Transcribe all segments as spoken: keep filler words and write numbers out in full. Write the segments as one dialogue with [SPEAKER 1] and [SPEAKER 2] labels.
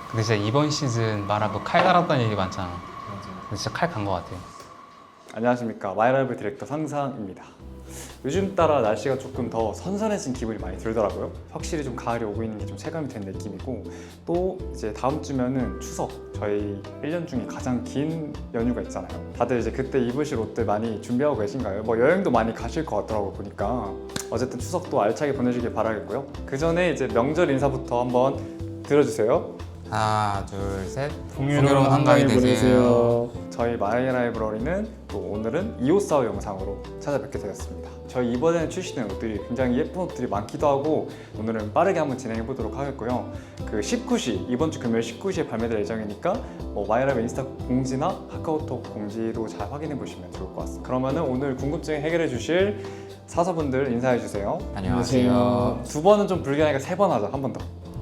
[SPEAKER 1] 근데 진짜 이번 시즌 말하고 칼 달았다는 얘기 많잖아. 근데 진짜 칼 간 것 같아요.
[SPEAKER 2] 안녕하십니까, 마이라이브 디렉터 상상입니다. 요즘 따라 날씨가 조금 더 선선해진 기분이 많이 들더라고요. 확실히 좀 가을이 오고 있는 게 좀 체감이 된 느낌이고, 또 이제 다음 주면은 추석, 저희 일 년 중에 가장 긴 연휴가 있잖아요. 다들 이제 그때 입으실 옷들 많이 준비하고 계신가요? 뭐 여행도 많이 가실 것 같더라고요, 보니까. 어쨌든 추석도 알차게 보내주길 바라겠고요. 그 전에 이제 명절 인사부터 한번 들어주세요.
[SPEAKER 1] 하나, 둘, 셋.
[SPEAKER 3] 풍요로운 한가위 되세요.
[SPEAKER 2] 저희 마이라이브러리는 또 오늘은 이옷사우 영상으로 찾아뵙게 되었습니다. 저희 이번에 출시된 옷들이 굉장히 예쁜 옷들이 많기도 하고, 오늘은 빠르게 한번 진행해 보도록 하겠고요. 그 십구 시, 이번 주 금요일 십구 시에 발매될 예정이니까 뭐 마이라이브 인스타 공지나 카카오톡 공지도 잘 확인해 보시면 좋을 것 같습니다. 그러면은 오늘 궁금증 해결해 주실 사서분들 인사해 주세요.
[SPEAKER 1] 안녕하세요.
[SPEAKER 2] 두 번은 좀 불리하니까 세 번 하자. 한 번 더.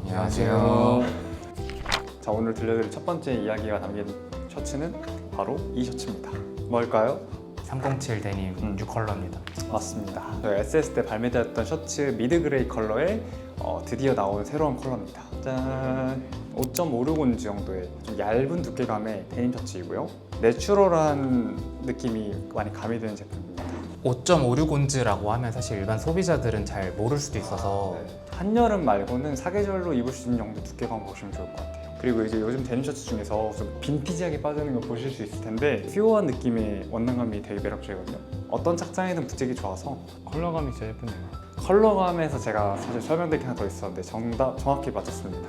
[SPEAKER 1] 안녕하세요.
[SPEAKER 2] 자, 오늘 들려드릴 첫 번째 이야기가 담긴 셔츠는 바로 이 셔츠입니다. 뭘까요?
[SPEAKER 1] 삼공칠 데님
[SPEAKER 2] 음.
[SPEAKER 1] 뉴 컬러입니다.
[SPEAKER 2] 맞습니다. 저희 에스에스 때 발매되었던 셔츠 미드 그레이 컬러에 어, 드디어 나온 새로운 컬러입니다. 짠! 오 점 오육 온즈 정도의 좀 얇은 두께감의 데님 셔츠이고요. 내추럴한 느낌이 많이 가미되는 제품입니다.
[SPEAKER 1] 오 점 오육 온즈라고 하면 사실 일반 소비자들은 잘 모를 수도 있어서
[SPEAKER 2] 한여름 말고는 사계절로 입을 수 있는 정도 두께감 보시면 좋을 것 같아요. 그리고 이제 요즘 데님 셔츠 중에서 좀 빈티지하게 빠지는 거 보실 수 있을 텐데, 퓨어한 느낌의 원단감이 되게 매력적이거든요. 어떤 착장에든 붙이기 좋아서.
[SPEAKER 3] 컬러감이 진짜 예쁘네요.
[SPEAKER 2] 컬러감에서 제가 사실 설명드릴 게 하나 더 있었는데 정답 정확히 맞췄습니다.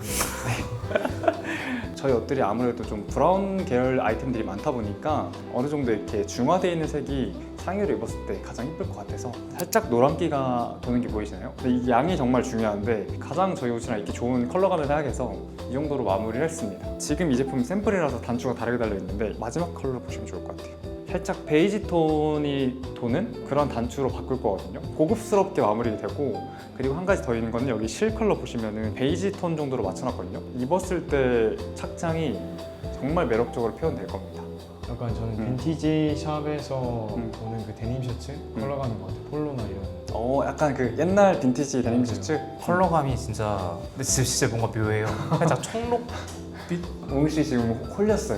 [SPEAKER 2] 네. 저희 옷들이 아무래도 좀 브라운 계열 아이템들이 많다 보니까 어느 정도 이렇게 중화되어 있는 색이 상의를 입었을 때 가장 예쁠 것 같아서 살짝 노란기가 도는 게 보이시나요? 근데 이 양이 정말 중요한데, 가장 저희 옷이랑 입기 좋은 컬러감을 생각해서 이 정도로 마무리를 했습니다. 지금 이 제품 샘플이라서 단추가 다르게 달려있는데 마지막 컬러 보시면 좋을 것 같아요. 살짝 베이지 톤이 도는 그런 단추로 바꿀 거거든요. 고급스럽게 마무리되고, 그리고 한 가지 더 있는 거는 여기 실 컬러 보시면은 베이지 톤 정도로 맞춰놨거든요. 입었을 때 착장이 정말 매력적으로 표현될 겁니다.
[SPEAKER 3] 약간 저는
[SPEAKER 2] 음.
[SPEAKER 3] 빈티지 샵에서
[SPEAKER 2] 음.
[SPEAKER 3] 보는 그 데님 셔츠 컬러감인 것 같아요. 폴로나 이런.
[SPEAKER 2] 어, 약간 그 옛날 빈티지 데님 셔츠.
[SPEAKER 1] 컬러감이 진짜 근데 진짜, 진짜 뭔가 묘해요. 살짝 청록빛?
[SPEAKER 2] 웅씨 지금 홀렸어요.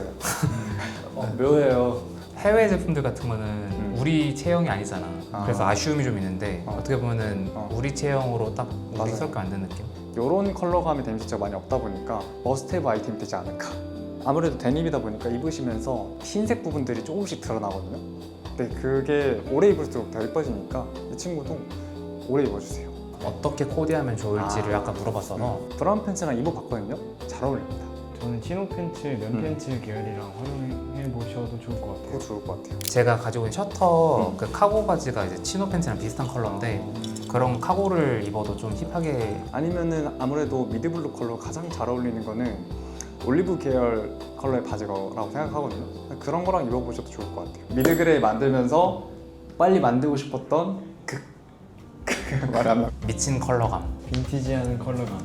[SPEAKER 2] 어, 묘해요.
[SPEAKER 1] 해외 제품들 같은 거는
[SPEAKER 2] 음.
[SPEAKER 1] 우리 체형이 아니잖아.
[SPEAKER 2] 아.
[SPEAKER 1] 그래서 아쉬움이 좀 있는데
[SPEAKER 2] 어.
[SPEAKER 1] 어. 떻게 보면은
[SPEAKER 2] 어.
[SPEAKER 1] 우리 체형으로 딱
[SPEAKER 2] 맞아요.
[SPEAKER 1] 우리스럽게 만든 느낌?
[SPEAKER 2] 이런 컬러감의 데님 셔츠가 많이 없다 보니까 머스트헤브 아이템이 되지 않을까. 아무래도 데님이다 보니까 입으시면서 흰색 부분들이 조금씩 드러나거든요. 근데 그게 오래 입을수록 더 예뻐지니까 이 친구도 오래 입어주세요.
[SPEAKER 1] 어떻게 코디하면 좋을지를
[SPEAKER 2] 아.
[SPEAKER 1] 아까 물어봤어서
[SPEAKER 2] 브라운 팬츠랑 입어봤거든요. 잘 어울립니다.
[SPEAKER 3] 저는 치노 팬츠, 면
[SPEAKER 2] 음.
[SPEAKER 3] 팬츠 계열이랑 활용해 보셔도 좋을 것 같아요.
[SPEAKER 2] 그거 좋을 것 같아요.
[SPEAKER 1] 제가 가지고 있는 셔터
[SPEAKER 2] 음.
[SPEAKER 1] 그 카고 바지가 이제 치노 팬츠랑 비슷한 컬러인데 그런 카고를 입어도 좀 힙하게.
[SPEAKER 2] 아니면은 아무래도 미드블루 컬러 가장 잘 어울리는 거는 올리브 계열 컬러의 바지라고 생각하거든요. 그런 거랑 입어보셔도 좋을 것 같아요. 미드그레이 만들면서 빨리 만들고 싶었던 그... 그 말이 안 나.
[SPEAKER 1] 미친 컬러감.
[SPEAKER 3] 빈티지한 컬러감.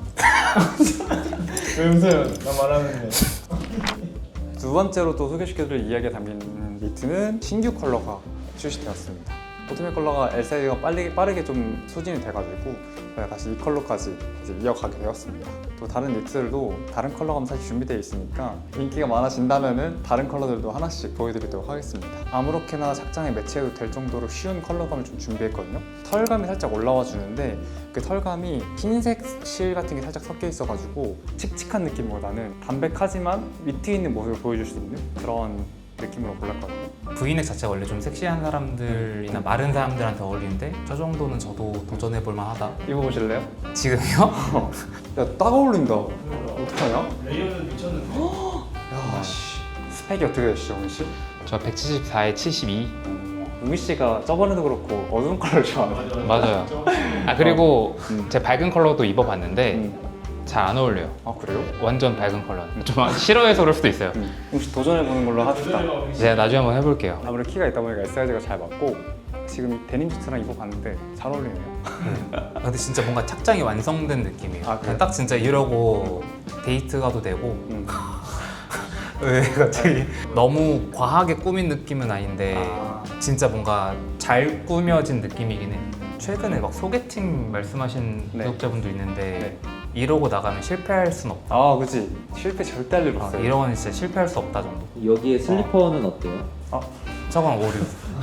[SPEAKER 3] 왜 웃어요? 나 말하는데.
[SPEAKER 2] 두 번째로 또 소개시켜드릴 이야기가 담긴 니트는 신규 컬러가 출시되었습니다. 보트맨 컬러가 엘 사이즈가 빨리, 빠르게 좀 소진이 돼가지고 저희가 다시 이 컬러까지 이제 이어가게 되었습니다. 또 다른 니트들도 다른 컬러감 사실 준비되어 있으니까 인기가 많아진다면은 다른 컬러들도 하나씩 보여드리도록 하겠습니다. 아무렇게나 착장에 매치해도 될 정도로 쉬운 컬러감을 좀 준비했거든요. 털감이 살짝 올라와 주는데 그 털감이 흰색 실 같은 게 살짝 섞여 있어가지고 칙칙한 느낌보다는 담백하지만 위트 있는 모습을 보여줄 수 있는 그런 느낌으로 골랐거든요.
[SPEAKER 1] 브이넥 자체가 원래 좀 섹시한 사람들이나 마른 사람들한테 어울리는데 저 정도는 저도 도전해볼 만하다.
[SPEAKER 2] 입어보실래요?
[SPEAKER 1] 지금요?
[SPEAKER 2] 야, 딱 어울린다. 어떡하냐?
[SPEAKER 3] 레이어드 미쳤는데.
[SPEAKER 2] 야, 씨. 스펙이 어떻게 되시죠, 웅이 씨?
[SPEAKER 1] 저 백칠십사에 칠십이.
[SPEAKER 2] 웅이 씨가 저번에도 그렇고 어두운 컬러를 좋아하는.
[SPEAKER 1] 맞아요. 아 그리고
[SPEAKER 2] 음.
[SPEAKER 1] 제 밝은 컬러도 입어봤는데
[SPEAKER 2] 음.
[SPEAKER 1] 잘 안 어울려요.
[SPEAKER 2] 아, 그래요?
[SPEAKER 1] 완전 밝은 컬러는. 좀 싫어해서 그럴 수도 있어요.
[SPEAKER 2] 음. 웅이 씨 도전해보는 걸로 합시다.
[SPEAKER 1] 제가 나중에 한번 해볼게요.
[SPEAKER 2] 아무래도 키가 있다 보니까 에스 사이즈가 잘 맞고, 지금 이 데님 셔츠랑 입어봤는데 잘 어울리네요.
[SPEAKER 1] 아, 근데 진짜 뭔가 착장이 완성된 느낌이에요.
[SPEAKER 2] 아, 그래요?
[SPEAKER 1] 딱 진짜 이러고 데이트 가도 되고.
[SPEAKER 2] 음.
[SPEAKER 1] 왜 갑자기 너무 과하게 꾸민 느낌은 아닌데
[SPEAKER 2] 아.
[SPEAKER 1] 진짜 뭔가 잘 꾸며진 느낌이긴 해. 최근에 막 소개팅 말씀하신
[SPEAKER 2] 네.
[SPEAKER 1] 구독자분도 있는데
[SPEAKER 2] 네.
[SPEAKER 1] 이러고 나가면 실패할 순 없다.
[SPEAKER 2] 아 그치, 실패 절대 할 일
[SPEAKER 1] 아,
[SPEAKER 2] 없어요.
[SPEAKER 1] 이러고는 진짜 실패할 수 없다 정도.
[SPEAKER 4] 여기에 슬리퍼는 어때요?
[SPEAKER 1] 저건 오류.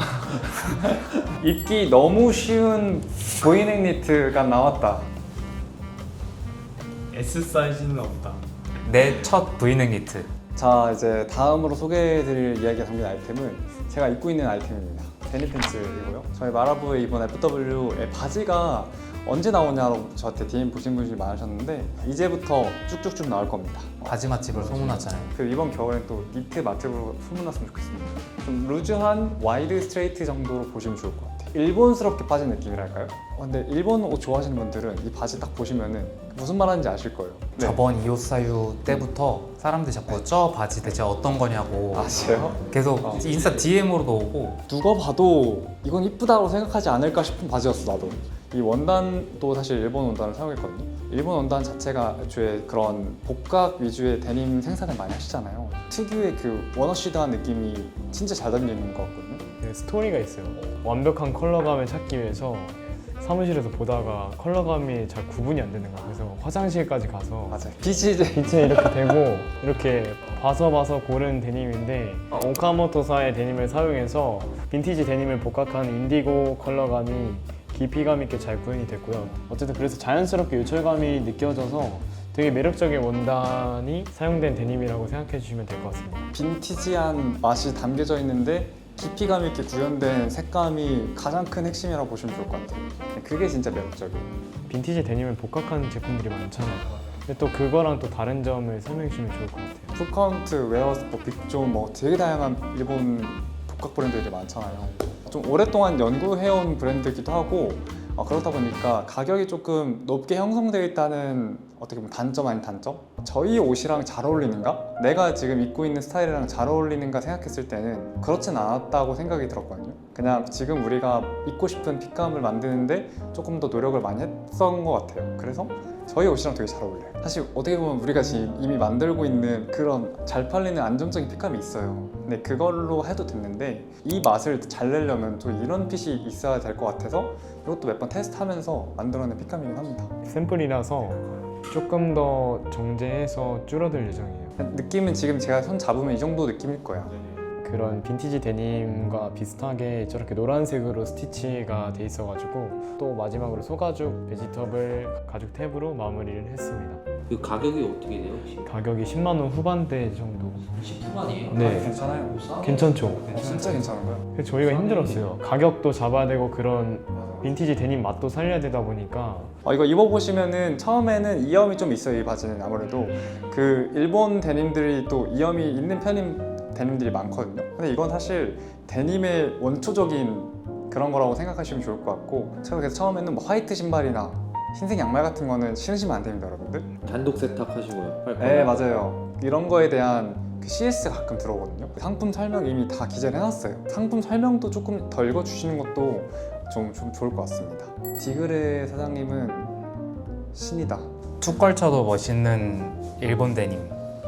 [SPEAKER 2] 입기 너무 쉬운 보이넥 니트가 나왔다.
[SPEAKER 3] S 사이즈는 없다.
[SPEAKER 1] 내 첫 브이넥 니트.
[SPEAKER 2] 자, 이제 다음으로 소개해드릴 이야기가 담긴 아이템은 제가 입고 있는 아이템입니다. 데님 팬츠이고요. 저희 마라부에 이번 에프더블유의 바지가 언제 나오냐고 저한테 디엠 보신 분들이 많으셨는데 이제부터 쭉쭉쭉 나올 겁니다.
[SPEAKER 1] 바지 맛집을 소문났잖아요.
[SPEAKER 2] 그 이번 겨울엔 또 니트 맛집으로 소문났으면 좋겠습니다. 좀 루즈한 와이드 스트레이트 정도로 보시면 좋을 것 같아요. 일본스럽게 빠진 느낌이랄까요? 어, 근데 일본 옷 좋아하시는 분들은 이 바지 딱 보시면은 무슨 말하는지 아실 거예요. 네.
[SPEAKER 1] 저번 이오사유 때부터 사람들이 자꾸 저 바지 대체 어떤 거냐고
[SPEAKER 2] 아세요?
[SPEAKER 1] 계속
[SPEAKER 2] 어.
[SPEAKER 1] 인스타 디엠으로도 오고.
[SPEAKER 2] 누가 봐도 이건 이쁘다고 생각하지 않을까 싶은 바지였어 나도. 이 원단도 사실 일본 원단을 사용했거든요. 일본 원단 자체가 애초에 그런 복각 위주의 데님 생산을 많이 하시잖아요. 특유의 그 워너시드한 느낌이 진짜 잘 담기는 것 같거든요.
[SPEAKER 3] 네, 스토리가 있어요. 완벽한 컬러감을 찾기 위해서 사무실에서 보다가 컬러감이 잘 구분이 안 되는 거예요. 그래서 화장실까지 가서
[SPEAKER 2] 맞아요. 빛이 이제
[SPEAKER 3] 빛에 이렇게 대고 이렇게 봐서 봐서 고른 데님인데 오카모토사의 데님을 사용해서 빈티지 데님을 복각한 인디고 컬러감이 깊이감 있게 잘 구현이 됐고요. 어쨌든 그래서 자연스럽게 요철감이 느껴져서 되게 매력적인 원단이 사용된 데님이라고 생각해 주시면 될 것 같습니다.
[SPEAKER 2] 빈티지한 맛이 담겨져 있는데 깊이감 있게 구현된 색감이 가장 큰 핵심이라고 보시면 좋을 것 같아요. 그게 진짜 매력적이에요.
[SPEAKER 3] 빈티지 데님을 복각한 제품들이 많잖아요. 근데 또 그거랑 또 다른 점을 설명해 주시면 좋을 것 같아요.
[SPEAKER 2] 푸카운트, 웨어스포, 빅존 뭐 되게 다양한 일본 복각 브랜드들이 많잖아요. 좀 오랫동안 연구해온 브랜드이기도 하고 어, 그렇다 보니까 가격이 조금 높게 형성되어 있다는 어떻게 보면 단점 아닌 단점? 저희 옷이랑 잘 어울리는가? 내가 지금 입고 있는 스타일이랑 잘 어울리는가 생각했을 때는 그렇진 않았다고 생각이 들었거든요. 그냥 지금 우리가 입고 싶은 핏감을 만드는데 조금 더 노력을 많이 했던 것 같아요. 그래서 저희 옷이랑 되게 잘 어울려요. 사실 어떻게 보면 우리가 지금 이미 만들고 있는 그런 잘 팔리는 안정적인 핏감이 있어요. 근데 그걸로 해도 됐는데 이 맛을 잘 내려면 또 이런 핏이 있어야 될 것 같아서 이것도 몇 번 테스트하면서 만들어낸 핏감이긴 합니다.
[SPEAKER 3] 샘플이라서 조금 더 정제해서 줄어들 예정이에요.
[SPEAKER 2] 느낌은 지금 제가 손 잡으면 이 정도 느낌일 거야.
[SPEAKER 3] 그런 빈티지 데님과 비슷하게 저렇게 노란색으로 스티치가 돼 있어가지고 또 마지막으로 소가죽 베지터블 가죽 탭으로 마무리를 했습니다.
[SPEAKER 4] 그 가격이 어떻게 돼요 혹시?
[SPEAKER 3] 가격이 십만 원 후반대 정도.
[SPEAKER 4] 십 후반이에요?
[SPEAKER 3] 네.
[SPEAKER 2] 괜찮아요.
[SPEAKER 3] 괜찮죠?
[SPEAKER 2] 어, 진짜 괜찮은 거예요.
[SPEAKER 3] 그래서 저희가 힘들었어요. 가격도 잡아야 되고 그런 빈티지 데님 맛도 살려야 되다 보니까
[SPEAKER 2] 어, 이거 입어보시면은 처음에는 이염이 좀 있어요. 이 바지는 아무래도 그 일본 데님들이 또 이염이 있는 편인 데님들이 많거든요. 근데 이건 사실 데님의 원초적인 그런 거라고 생각하시면 좋을 것 같고 제가 그래서 처음에는 뭐 화이트 신발이나 흰색 양말 같은 거는 신으시면 안 됩니다, 여러분들.
[SPEAKER 4] 단독 세탁하시고요.
[SPEAKER 2] 네, 맞아요. 이런 거에 대한 그 씨에스 가끔 들어오거든요. 상품 설명 이미 다 기재를 해놨어요. 상품 설명도 조금 더 읽어주시는 것도 좀, 좀 좋을 것 같습니다. 디그레 사장님은 신이다.
[SPEAKER 1] 툭걸쳐도 멋있는 일본 데님.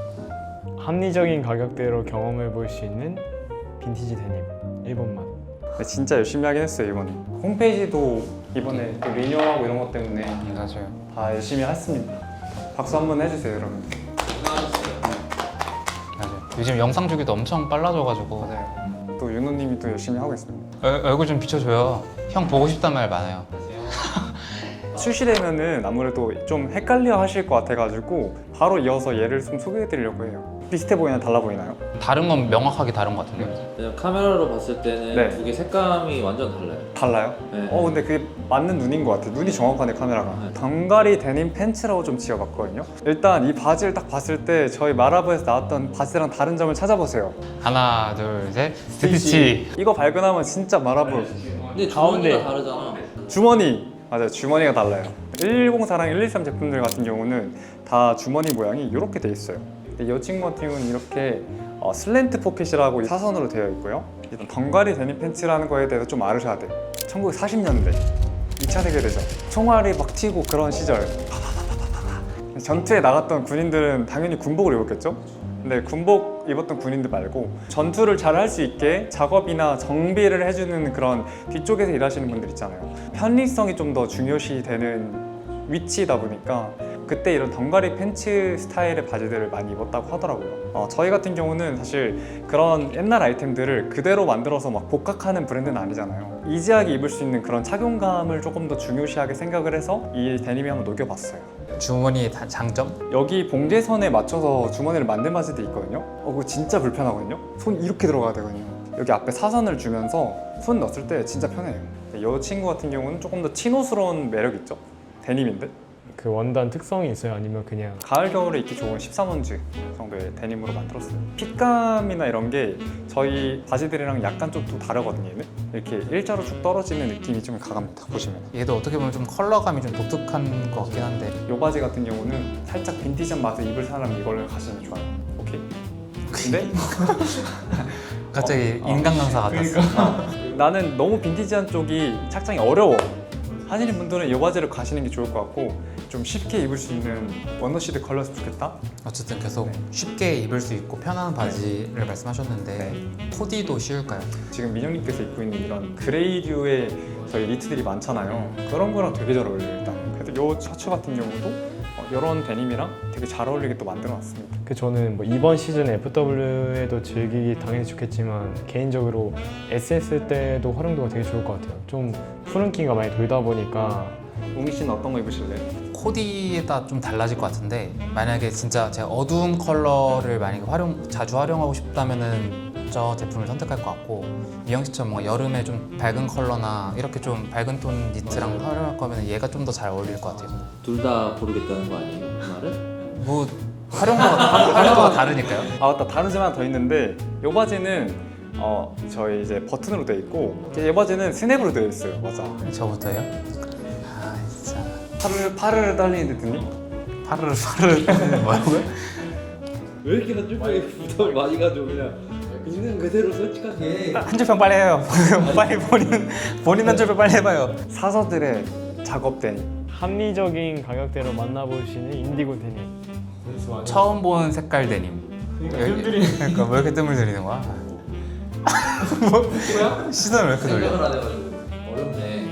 [SPEAKER 3] 합리적인 가격대로 경험해 볼 수 있는 빈티지 데님 일본 맛.
[SPEAKER 2] 네, 진짜 열심히 하긴 했어요 이번에. 홈페이지도 이번에 또 리뉴얼하고 이런 것 때문에
[SPEAKER 1] 맞아요.
[SPEAKER 2] 다 열심히 했습니다. 박수 한번 해주세요, 여러분.
[SPEAKER 1] 맞아요. 요즘 영상 주기도 엄청 빨라져가지고.
[SPEAKER 2] 맞아요. 또 윤호님이 또 열심히 하고 있습니다.
[SPEAKER 1] 얼, 얼굴 좀 비춰줘요. 형 보고 싶단 말 많아요.
[SPEAKER 2] 출시되면은 아무래도 좀 헷갈려 하실 것 같아가지고 바로 이어서 얘를 좀 소개해드리려고 해요. 비슷해 보이나 달라 보이나요?
[SPEAKER 1] 다른 건 명확하게 다른 것 같은데.
[SPEAKER 4] 그냥 카메라로 봤을 때는
[SPEAKER 2] 네.
[SPEAKER 4] 두 개 색감이 완전 달라요.
[SPEAKER 2] 달라요?
[SPEAKER 4] 네.
[SPEAKER 2] 어 근데 그게 맞는 눈인 것 같아요. 눈이 정확하네 카메라가.
[SPEAKER 4] 네.
[SPEAKER 2] 덩가리 데님 팬츠라고 좀 지어봤거든요. 일단 이 바지를 딱 봤을 때 저희 마라부에서 나왔던 바지랑 다른 점을 찾아보세요.
[SPEAKER 1] 하나, 둘, 셋. 스티치.
[SPEAKER 2] 이거 발견하면 진짜 마라부.
[SPEAKER 4] 근데 주머니가
[SPEAKER 3] 가운데.
[SPEAKER 4] 다르잖아.
[SPEAKER 2] 주머니! 맞아요, 주머니가 달라요. 일일공사랑 일일삼 제품들 같은 경우는 다 주머니 모양이 이렇게 돼 있어요. 근데 이 친구 같은 경우는 이렇게 어, 슬랜트 포켓이라고 사선으로 되어 있고요. 일단 덩가리 데님 팬츠라는 거에 대해서 좀 알으셔야 돼요. 천구백사십 년대 이 차 세계대전 총알이 막 튀고 그런 시절 파파파파파파. 전투에 나갔던 군인들은 당연히 군복을 입었겠죠? 근데 군복 입었던 군인들 말고 전투를 잘 할 수 있게 작업이나 정비를 해주는 그런 뒤쪽에서 일하시는 분들 있잖아요. 편리성이 좀 더 중요시 되는 위치이다 보니까 그때 이런 덩가리 팬츠 스타일의 바지들을 많이 입었다고 하더라고요. 어, 저희 같은 경우는 사실 그런 옛날 아이템들을 그대로 만들어서 막 복각하는 브랜드는 아니잖아요. 이지하게 입을 수 있는 그런 착용감을 조금 더 중요시하게 생각을 해서 이 데님에 한번 녹여봤어요.
[SPEAKER 1] 주머니의 다- 장점?
[SPEAKER 2] 여기 봉제선에 맞춰서 주머니를 만든 바지도 있거든요. 어, 그거 진짜 불편하거든요. 손 이렇게 들어가야 되거든요. 여기 앞에 사선을 주면서 손 넣었을 때 진짜 편해요. 이 친구 같은 경우는 조금 더 치노스러운 매력 있죠. 데님인데
[SPEAKER 3] 그 원단 특성이 있어요? 아니면 그냥
[SPEAKER 2] 가을 겨울에 입기 좋은 십삼 원즈 정도의 데님으로 만들었어요. 핏감이나 이런 게 저희 바지들이랑 약간 좀 또 다르거든요. 얘는 이렇게 일자로 쭉 떨어지는 느낌이 좀 강합니다. 보시면
[SPEAKER 1] 얘도 어떻게 보면 좀 컬러감이 좀 독특한 것 같긴 한데
[SPEAKER 2] 이 바지 같은 경우는 살짝 빈티지한 맛을 입을 사람 이걸 가시면 좋아요. 오케이. 근데
[SPEAKER 1] 갑자기
[SPEAKER 2] 어, 어.
[SPEAKER 1] 인간 강사 같았어.
[SPEAKER 2] 나는 너무 빈티지한 쪽이 착장이 어려워 하시는 분들은 이 바지를 가시는 게 좋을 것 같고 좀 쉽게 입을 수 있는 원더시드 컬러였으면 좋겠다.
[SPEAKER 1] 어쨌든 계속
[SPEAKER 2] 네.
[SPEAKER 1] 쉽게 입을 수 있고 편한 바지를 말씀하셨는데
[SPEAKER 2] 네.
[SPEAKER 1] 코디도 쉬울까요?
[SPEAKER 2] 지금 민영님께서 입고 있는 이런 그레이류의 저희 니트들이 많잖아요. 그런 거랑 되게 잘 어울려요 일단. 그래서 이 셔츠 같은 경우도 이런 데님이랑 되게 잘 어울리게 또 만들어놨습니다.
[SPEAKER 3] 그 저는 뭐 이번 시즌 에프더블유에도 즐기기 당연히 좋겠지만 개인적으로 에스에스 때도 활용도가 되게 좋을 것 같아요. 좀 푸른 기가 많이 돌다 보니까
[SPEAKER 2] 웅이 씨는 어떤 거 입으실래요?
[SPEAKER 1] 코디에 따라 좀 달라질 것 같은데 만약에 진짜 제가 어두운 컬러를 만약에 활용 자주 활용하고 싶다면은 저 제품을 선택할 것 같고 미영 씨처럼 뭔가 여름에 좀 밝은 컬러나 이렇게 좀 밝은 톤 니트랑 활용할 거면 얘가 좀 더 잘 어울릴 것 같아요.
[SPEAKER 4] 둘 다 고르겠다는 거 아니에요? 그 말은?
[SPEAKER 1] 뭐 활용도가 다- 활용도가 다르니까요.
[SPEAKER 2] 아 맞다, 다른 점 하나 더 있는데 이 바지는 어 저희 이제 버튼으로 되어 있고 이 바지는 스냅으로 되어 있어요. 맞아.
[SPEAKER 1] 저부터요? 아 진짜
[SPEAKER 2] 파르르 파르르 떨리는 듯니?
[SPEAKER 1] 파르르 파르르 뭐라고요?
[SPEAKER 4] 왜 이렇게 한줄평에 부담을 많이 가져 그냥 있는 그대로 솔직하게.
[SPEAKER 1] 한 줄평 빨리 해요. 빨리 본인 본인 한 줄평 빨리 해봐요.
[SPEAKER 2] 사서들의 작업 데님.
[SPEAKER 3] 합리적인 가격대로 만나볼 수 있는 인디고 데님.
[SPEAKER 1] 처음 본 색깔 데님. 그러니까 왜 이렇게 뜸을 들이는 거야? 뭐 시선을 왜 이렇게 돌려?
[SPEAKER 4] 생각을 안 해가지고 어렵네.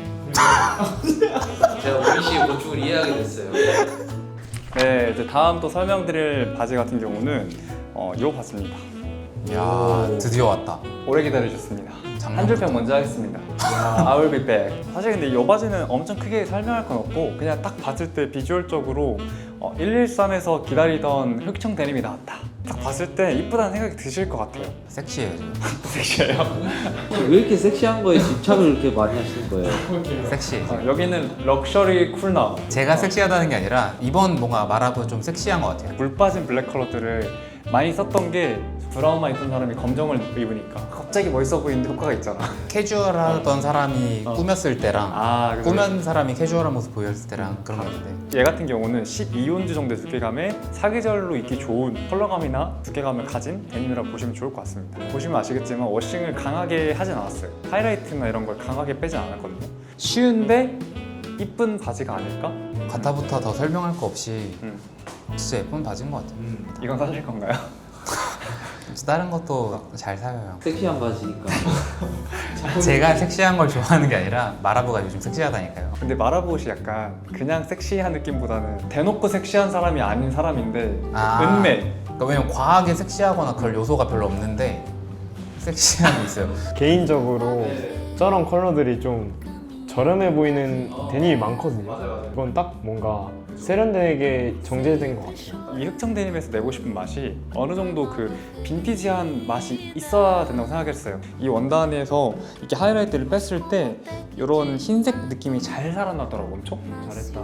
[SPEAKER 4] 제가 우리 씨의 고충을 이해하게 됐어요.
[SPEAKER 2] 네, 이제 다음 또 설명드릴 바지 같은 경우는 어, 이 바지입니다.
[SPEAKER 1] 야 드디어 왔다.
[SPEAKER 2] 오래 기다리셨습니다.
[SPEAKER 1] 작년부터.
[SPEAKER 2] 한 줄평 먼저 하겠습니다. I will be back. 사실 근데 이 바지는 엄청 크게 설명할 건 없고 그냥 딱 봤을 때 비주얼적으로 어, 일일삼에서 기다리던 흑청 데님이 나왔다. 딱 봤을 때 이쁘다는 생각이 드실 것 같아요.
[SPEAKER 1] 섹시해요 지금.
[SPEAKER 2] 섹시해요.
[SPEAKER 4] 왜 이렇게 섹시한 거에 집착을 이렇게 많이 하시는 거예요?
[SPEAKER 1] 섹시해.
[SPEAKER 2] 어, 여기는 럭셔리 쿨나.
[SPEAKER 1] 제가 섹시하다는 게 아니라 이번 뭔가 말하고 좀 섹시한 것 같아요.
[SPEAKER 2] 물 빠진 블랙 컬러들을 많이 썼던 게 브라운만 입던 사람이 검정을 입으니까 갑자기 멋있어 보이는 효과가 있잖아.
[SPEAKER 1] 캐주얼하던 사람이
[SPEAKER 2] 어.
[SPEAKER 1] 꾸몄을 때랑
[SPEAKER 2] 아, 그래서
[SPEAKER 1] 꾸면 사람이 캐주얼한 모습 보였을 때랑 그런 거 같은데
[SPEAKER 2] 얘 같은 경우는 십이 온즈 정도의 두께감에 사계절로 입기 좋은 컬러감이나 두께감을 가진 데님이라고 보시면 좋을 것 같습니다. 보시면 아시겠지만 워싱을 강하게 하진 않았어요. 하이라이트나 이런 걸 강하게 빼진 않았거든요. 쉬운데 이쁜 바지가 아닐까?
[SPEAKER 1] 가타부터 더 설명할 거 없이
[SPEAKER 2] 음.
[SPEAKER 1] 진짜 예쁜 바지인 것 같아요.
[SPEAKER 2] 이건 사실 건가요?
[SPEAKER 1] 다른 것도 잘 사요.
[SPEAKER 4] 섹시한 바지니까.
[SPEAKER 1] 제가 섹시한 걸 좋아하는 게 아니라 마라보가 요즘 섹시하다니까요.
[SPEAKER 2] 근데 마라보시 약간 그냥 섹시한 느낌보다는 대놓고 섹시한 사람이 아닌 사람인데
[SPEAKER 1] 아.
[SPEAKER 2] 은매.
[SPEAKER 1] 그러니까 왜냐면 과하게 섹시하거나 그럴 요소가 별로 없는데 섹시함이 있어요.
[SPEAKER 3] 개인적으로 저런 컬러들이 좀 저렴해 보이는 데님이 많거든요. 이건 딱 뭔가 세련되게 정제된 것 같아요.
[SPEAKER 2] 이 흑청 데님에서 내고 싶은 맛이 어느 정도 그 빈티지한 맛이 있어야 된다고 생각했어요. 이 원단에서 이렇게 하이라이트를 뺐을 때 이런 흰색 느낌이 잘 살아나더라고. 엄청 잘했다.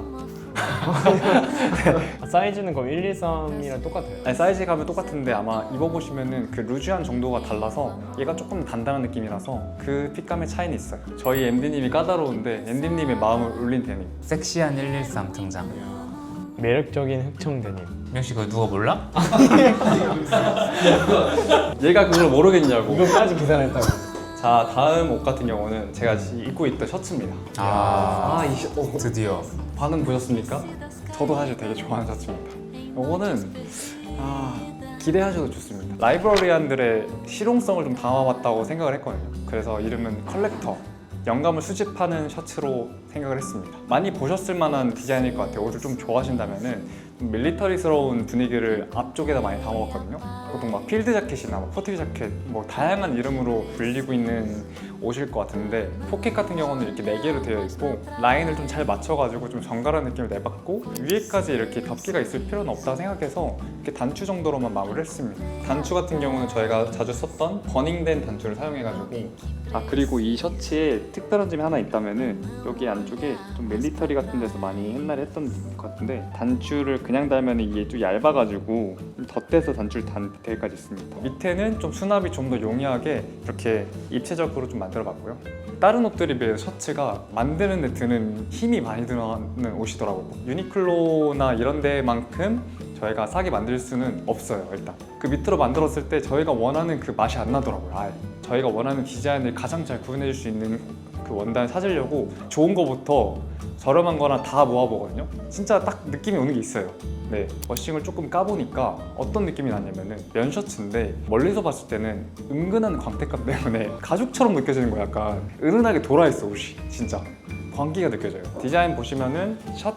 [SPEAKER 3] 아, 사이즈는 그럼 일이삼이랑 똑같아요.
[SPEAKER 2] 아니, 사이즈 가면 똑같은데 아마 입어보시면은 그 루즈한 정도가 달라서 얘가 조금 단단한 느낌이라서 그 핏감의 차이는 있어요. 저희 엠디님이 까다로운데 엠디님의 마음을 울린 데님.
[SPEAKER 1] 섹시한 일일삼 등장.
[SPEAKER 3] 매력적인 흑청 데님.
[SPEAKER 1] 명씨 그거 누가 몰라?
[SPEAKER 2] 얘가 그걸 모르겠냐고.
[SPEAKER 3] 이거까지 계산했다고.
[SPEAKER 2] 자, 다음 옷 같은 경우는 제가 지금 입고 있던 셔츠입니다.
[SPEAKER 1] 아,
[SPEAKER 2] 아, 이 셔... 어,
[SPEAKER 1] 드디어.
[SPEAKER 2] 반응 보셨습니까? 저도 사실 되게 좋아하는 셔츠입니다. 이거는 아, 기대하셔도 좋습니다. 라이브러리안들의 실용성을 좀 담아봤다고 생각을 했거든요. 그래서 이름은 컬렉터 영감을 수집하는 셔츠로 생각을 했습니다. 많이 보셨을 만한 디자인일 것 같아요. 옷을 좀 좋아하신다면은 좀 밀리터리스러운 분위기를 앞쪽에다 많이 담아봤거든요. 보통 막 필드 자켓이나 막 포트리 자켓 뭐 다양한 이름으로 불리고 있는 옷일 것 같은데 포켓 같은 경우는 이렇게 네 개로 되어 있고 라인을 좀 잘 맞춰가지고 좀 정갈한 느낌을 내봤고 위에까지 이렇게 덮개가 있을 필요는 없다 생각해서 이렇게 단추 정도로만 마무리를 했습니다. 단추 같은 경우는 저희가 자주 썼던 버닝된 단추를 사용해가지고 아 그리고 이 셔츠에 특별한 점이 하나 있다면은 여기 안쪽에 좀 밀리터리 같은 데서 많이 옛날에 했던 것 같은데 단추를 그냥 달면 이게 좀 얇아가지고 좀 덧대서 단추를 단 디테일까지 있습니다. 밑에는 좀 수납이 좀 더 용이하게 이렇게 입체적으로 좀 만들어봤고요. 다른 옷들에 비해 셔츠가 만드는 데 드는 힘이 많이 들어가는 옷이더라고요. 유니클로나 이런 데만큼 저희가 싸게 만들 수는 없어요. 일단 그 밑으로 만들었을 때 저희가 원하는 그 맛이 안 나더라고요. 아예 저희가 원하는 디자인을 가장 잘 구현해 줄 수 있는 그 원단을 찾으려고 좋은 거부터 저렴한 거나 다 모아보거든요. 진짜 딱 느낌이 오는 게 있어요. 네, 워싱을 조금 까보니까 어떤 느낌이 나냐면은 면 셔츠인데 멀리서 봤을 때는 은근한 광택감 때문에 가죽처럼 느껴지는 거야. 약간 은은하게 돌아있어 옷이 진짜 광기가 느껴져요. 디자인 보시면은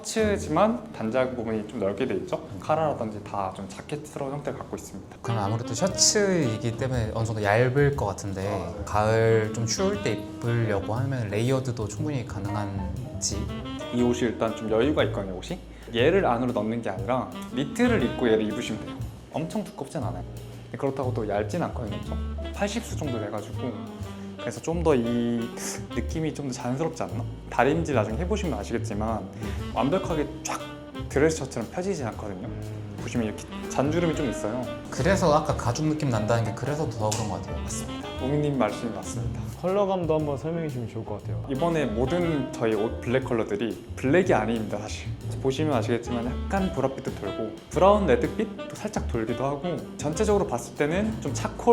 [SPEAKER 2] 셔츠지만 단작 부분이 좀 넓게 돼 있죠. 카라라든지 다 좀 자켓스러운 형태를 갖고 있습니다.
[SPEAKER 1] 그럼 아무래도 셔츠이기 때문에 어느 정도 얇을 것 같은데 가을 좀 추울 때 입으려고 하면 레이어드도 충분히 가능한지.
[SPEAKER 2] 이 옷이 일단 좀 여유가 있거든요. 옷이 얘를 안으로 넣는 게 아니라 니트를 입고 얘를 입으시면 돼요. 엄청 두껍진 않아요. 그렇다고 또 얇진 않거든요. 팔십 수 정도 돼가지고 그래서 좀 더 이 느낌이 좀 더 자연스럽지 않나? 다림질 나중에 해보시면 아시겠지만 완벽하게 쫙 드레스 셔츠는 펴지지 않거든요. 보시면 이렇게 잔주름이 좀 있어요.
[SPEAKER 1] 그래서 아까 가죽 느낌 난다는 게 그래서 더 그런 것 같아요.
[SPEAKER 2] 맞습니다. 오미님 말씀이 맞습니다.
[SPEAKER 3] 컬러감도 한번 설명해 주면 좋을 것 같아요.
[SPEAKER 2] 이번에 모든 저희 옷 블랙 컬러들이 블랙이 아닙니다. 사실 보시면 아시겠지만 약간 보랏빛도 돌고 브라운 레드빛도 살짝 돌기도 하고 전체적으로 봤을 때는 좀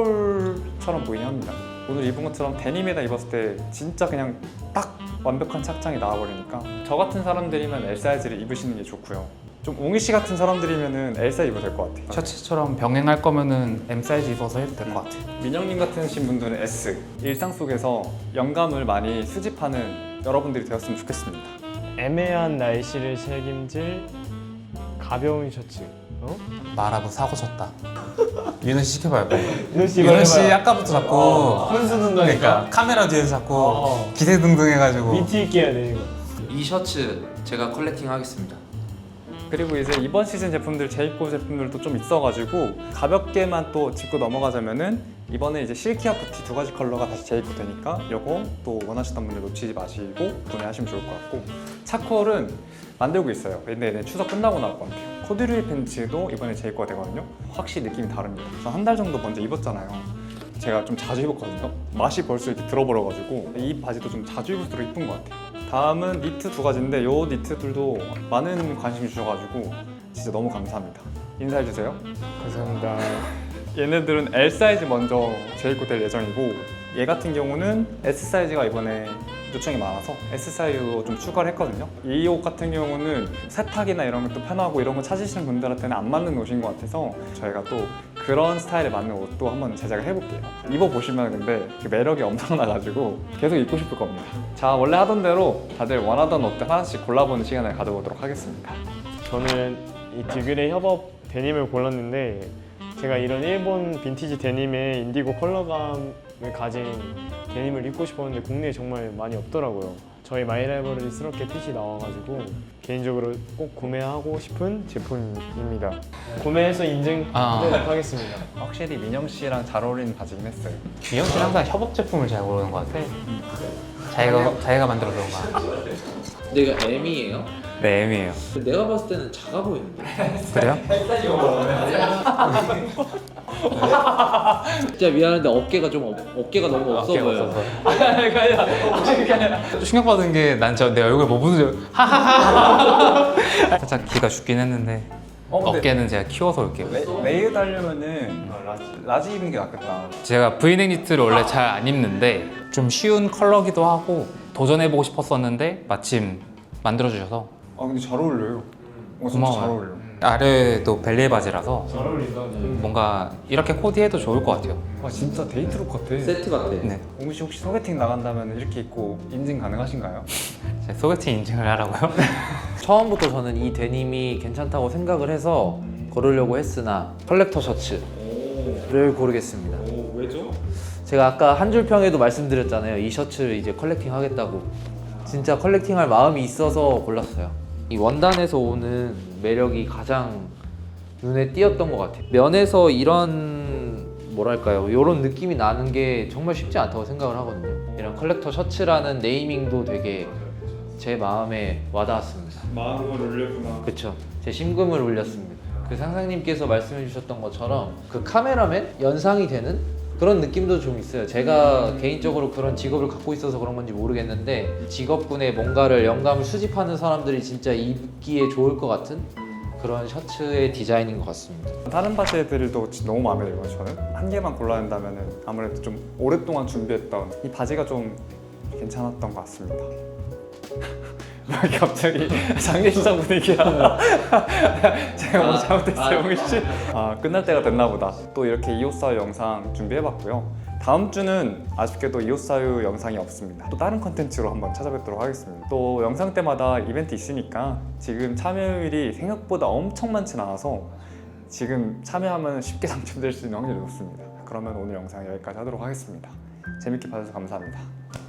[SPEAKER 2] 차콜처럼 보이긴 합니다. 오늘 입은 것처럼 데님에다 입었을 때 진짜 그냥 딱 완벽한 착장이 나와버리니까 저 같은 사람들이면 L 사이즈를 입으시는 게 좋고요. 좀 웅이 씨 같은 사람들이면은 L 사이즈 입어도 될 것 같아요.
[SPEAKER 1] 셔츠처럼 병행할 거면은 M 사이즈 입어서 해도 될 것 같아요.
[SPEAKER 2] 민영님 같으신 분들은 S. 일상 속에서 영감을 많이 수집하는 여러분들이 되었으면 좋겠습니다.
[SPEAKER 3] 애매한 날씨를 책임질 가벼운 셔츠. 어?
[SPEAKER 1] 말하고 사고 쳤다. 윤호 씨 시켜봐요. 빨리.
[SPEAKER 3] 윤호 씨
[SPEAKER 1] 윤호 씨
[SPEAKER 3] 말해봐요.
[SPEAKER 1] 아까부터 자꾸
[SPEAKER 3] 어, 혼수는
[SPEAKER 1] 그러니까 카메라 뒤에서 자꾸
[SPEAKER 3] 어.
[SPEAKER 1] 기세등등해가지고
[SPEAKER 3] 위트 있게 해야 돼 이거.
[SPEAKER 4] 이 셔츠 제가 컬렉팅 하겠습니다.
[SPEAKER 2] 그리고 이제 이번 시즌 제품들 재입고 제품들도 좀 있어가지고 가볍게만 또 짚고 넘어가자면은 이번에 이제 실키와 푸티 두 가지 컬러가 다시 재입고 되니까 요거 또 원하시던 분들 놓치지 마시고 구매하시면 좋을 것 같고 차콜은 만들고 있어요. 근데 네, 추석 끝나고 나올 것 같아요. 코듀로이 팬츠도 이번에 재입고가 되거든요. 확실히 느낌이 다릅니다. 전 한 달 정도 먼저 입었잖아요. 제가 좀 자주 입었거든요. 맛이 벌써 이렇게 들어버려가지고 이 바지도 좀 자주 입을수록 이쁜 것 같아요. 다음은 니트 두 가지인데 요 니트들도 많은 관심 주셔가지고 진짜 너무 감사합니다. 인사해주세요.
[SPEAKER 3] 감사합니다.
[SPEAKER 2] 얘네들은 L 사이즈 먼저 재입고 될 예정이고 얘 같은 경우는 S 사이즈가 이번에 요청이 많아서 S 사이즈로 좀 추가를 했거든요. 이 옷 같은 경우는 세탁이나 이런 것도 편하고 이런 거 찾으시는 분들한테는 안 맞는 옷인 것 같아서 저희가 또 그런 스타일에 맞는 옷도 한번 제작을 해볼게요. 입어보시면 근데 그 매력이 엄청나가지고 계속 입고 싶을 겁니다. 자, 원래 하던 대로 다들 원하던 옷들 하나씩 골라보는 시간을 가져보도록 하겠습니다.
[SPEAKER 3] 저는 이 디그레이 협업 데님을 골랐는데 제가 이런 일본 빈티지 데님의 인디고 컬러감을 가진 데님을 입고 싶었는데 국내에 정말 많이 없더라고요. 저희 마이라이버리스럽게 핏이 나와가지고 개인적으로 꼭 구매하고 싶은 제품입니다. 구매해서 인증하도록
[SPEAKER 1] 아.
[SPEAKER 3] 하겠습니다.
[SPEAKER 2] 확실히 민영 씨랑 잘 어울리는 바지긴 했어요.
[SPEAKER 1] 미영 씨는 항상 협업 제품을 잘 고르는 것 같아. 자기가 자기가 만들어 온 거야.
[SPEAKER 4] 내가 M이에요?
[SPEAKER 1] 네, M이에요.
[SPEAKER 4] 내가 봤을 때는 작아 보이는데.
[SPEAKER 1] 그래요?
[SPEAKER 4] 진짜 미안한데 어깨가 좀 어, 어깨가 너무 없어 보여.
[SPEAKER 1] 좀 충격받은 게 난 저 내 얼굴 못 보는 줄 하하하. 살짝 기가 죽긴 했는데
[SPEAKER 2] 어, 근데-
[SPEAKER 1] 어깨는 제가 키워서 올게요.
[SPEAKER 2] 레, 레이어드 하려면은 라지, 라지 입는 게 낫겠다.
[SPEAKER 1] 제가 브이넥 니트를 원래 잘 안 입는데 좀 쉬운 컬러기도 하고 도전해보고 싶었었는데 마침 만들어주셔서
[SPEAKER 2] 아 근데 잘 어울려요. 어, 진짜
[SPEAKER 1] 고마워요.
[SPEAKER 2] 잘 어울려.
[SPEAKER 1] 아래도 벨리에 바지라서
[SPEAKER 3] 잘 어울린다.
[SPEAKER 1] 뭔가 이렇게 코디해도 좋을 것 같아요.
[SPEAKER 2] 와 진짜 데이트룩 같아.
[SPEAKER 4] 세트 같아.
[SPEAKER 1] 네,
[SPEAKER 2] 옹규 씨 혹시 소개팅 나간다면 이렇게 입고 인증 가능하신가요?
[SPEAKER 1] 제 소개팅 인증을 하라고요?
[SPEAKER 5] 처음부터 저는 이 데님이 괜찮다고 생각을 해서 고르려고 했으나 컬렉터 셔츠를 고르겠습니다.
[SPEAKER 4] 오, 왜죠?
[SPEAKER 5] 제가 아까 한 줄 평에도 말씀드렸잖아요. 이 셔츠를 이제 컬렉팅 하겠다고. 진짜 컬렉팅할 마음이 있어서 골랐어요. 이 원단에서 오는 매력이 가장 눈에 띄었던 것 같아요. 면에서 이런 뭐랄까요, 이런 느낌이 나는 게 정말 쉽지 않다고 생각을 하거든요. 이런 컬렉터 셔츠라는 네이밍도 되게 제 마음에 와닿았습니다.
[SPEAKER 2] 마음을 올렸구나.
[SPEAKER 5] 그렇죠. 제 심금을 울렸습니다. 그 상상님께서 말씀해 주셨던 것처럼 그 카메라맨 연상이 되는 그런 느낌도 좀 있어요. 제가 개인적으로 그런 직업을 갖고 있어서 그런 건지 모르겠는데 직업군에 뭔가를 영감을 수집하는 사람들이 진짜 입기에 좋을 것 같은 그런 셔츠의 디자인인 것 같습니다.
[SPEAKER 2] 다른 바지들도 진짜 너무 마음에 들고요. 저는 한 개만 골라야 한다면 아무래도 좀 오랫동안 준비했던 이 바지가 좀 괜찮았던 것 같습니다. 왜 갑자기 장례식장 분위기야? 제가 뭐 잘못했어요, 옹규 씨? 아 끝날 때가 됐나 보다. 또 이렇게 이옷사유 영상 준비해봤고요. 다음 주는 아쉽게도 이옷사유 영상이 없습니다. 또 다른 컨텐츠로 한번 찾아뵙도록 하겠습니다. 또 영상 때마다 이벤트 있으니까 지금 참여율이 생각보다 엄청 많진 않아서 지금 참여하면 쉽게 당첨될 수 있는 확률이 높습니다. 그러면 오늘 영상 여기까지 하도록 하겠습니다. 재밌게 봐주셔서 감사합니다.